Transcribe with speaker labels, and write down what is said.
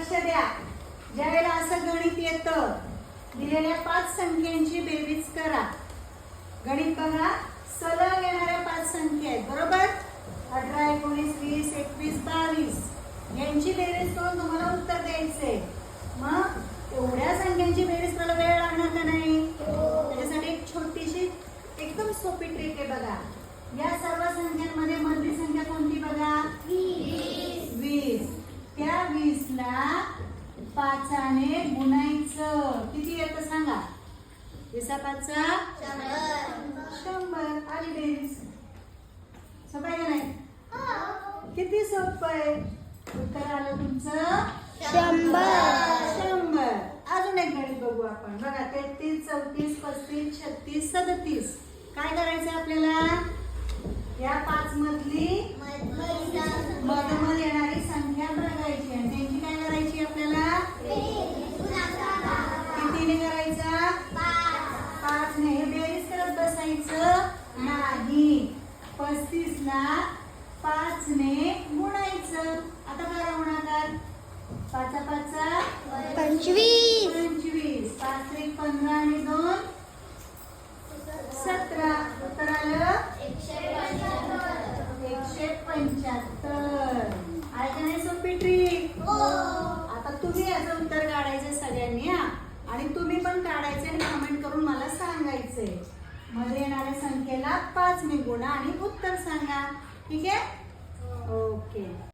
Speaker 1: लक्ष द्या. ज्यावेळेला असं गणित येतं, दिलेल्या 5 संख्यांची बेरीज करा. गणित बघा, सलग येणाऱ्या 5 संख्या आहेत बरोबर. 18, 19, 20, 21, 22 यांची बेरीज करून तुम्हाला उत्तर द्यायचंय. मग एवढ्या संख्यांची बेरीज करायला वेळ लागणार का नाही? त्याच्यासाठी एक छोटीशी एकदम सोपी ट्रिक आहे बघा. या सर्व संख्यांमध्ये मधली संख्या कोणती बघा? 20. त्या 20 ला 5 ने गुणायचं. किती येतं सांगा? 20 5 100. आली बेरीज. सोपं आहे का नाही? किती सोपं आहे. उत्तर आलं तुमचं 100. अजून एक गणित बघू आपण. बघा 33, 34, 35, 36, 37. काय करायचं आपल्याला? या 5 मधली मधोमध येणारी संख्या बघायची आणि त्यांची काय करायची आपल्याला? कितीने करायचा? 5 ने. हे बेरीज करत बसायचं नाही. 35 ला 5 ने गुणायचं. आता करा गुणाकार. 5 5
Speaker 2: 25.
Speaker 1: 25. 5 3 15 आणि 2 17. उत्तर आलं 175. आहे का नाही सोपी ट्रिक? आता तुम्ही याचं उत्तर काढायचं सगळ्यांनी हा. आणि तुम्ही पण काढायचे आणि कमेंट करून मला सांगायचंय. मध्ये येणाऱ्या संख्येला 5 ने गुणा आणि उत्तर सांगा. ठीक आहे? ओके.